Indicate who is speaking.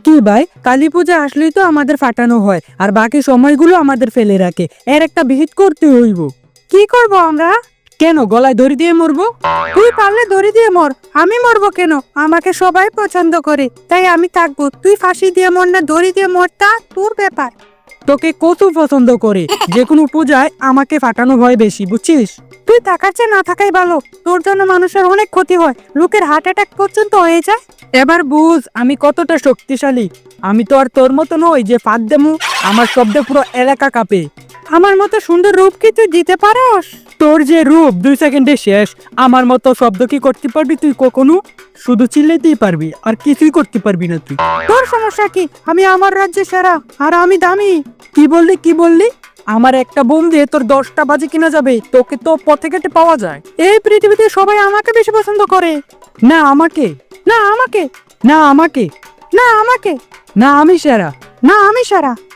Speaker 1: কি ভাই, কালী পূজা আসলেই তো আমাদের ফাটানো হয় আর বাকি সময়গুলো আমাদের ফেলে রাখে। এর একটা বিহিত করতে হইব। কি করব আমরা? কেন গলায় দড়ি দিয়ে মরবো? তুই পারলে দড়ি দিয়ে মর, আমি মরবো কেন? আমাকে সবাই পছন্দ করে, তাই আমি থাকবো। তুই ফাঁসি দিয়ে মর না দড়ি দিয়ে মর, তা তোর ব্যাপার। তোকে কত পছন্দ করে, যে কোনো পূজায় আমাকে ফাটানো হয় বেশি, বুঝছিস? তুই থাকার চেয়ে না থাকাই ভালো। তোর জন্য মানুষের অনেক ক্ষতি হয়, লোকের হার্ট অ্যাটাক পর্যন্ত হয়ে যায়। এবার বুঝ আমি কতটা শক্তিশালী। আমি তো আর তোর মতো নই যে ফাঁদ দেমু, আমার শব্দে পুরো এলাকা কাঁপে। আমার মতো সুন্দর রূপ কি তুই দিতে পারস? তোর যে রূপ 2 সেকেন্ডে শেষ, আমার মতো শব্দ কি করতে পারবি তুই কখনো? শুধু চিল্লাতেই পারবি, আর কিছুই করতে পারবি না তুই। তোর সমস্যা কি? আমি আমার রাজ্যে সেরা, আর আমি দামি। কি বললি? আমার একটা বোম দিয়ে তোর 10টা বাজি কিনা যাবে? তোকে তো পথে ঘাটে পাওয়া যায়। এই পৃথিবীতে সবাই আমাকে বেশি পছন্দ করে। না আমাকে, না আমাকে, না আমাকে, না আমাকে, না আমি সেরা, না আমি সেরা।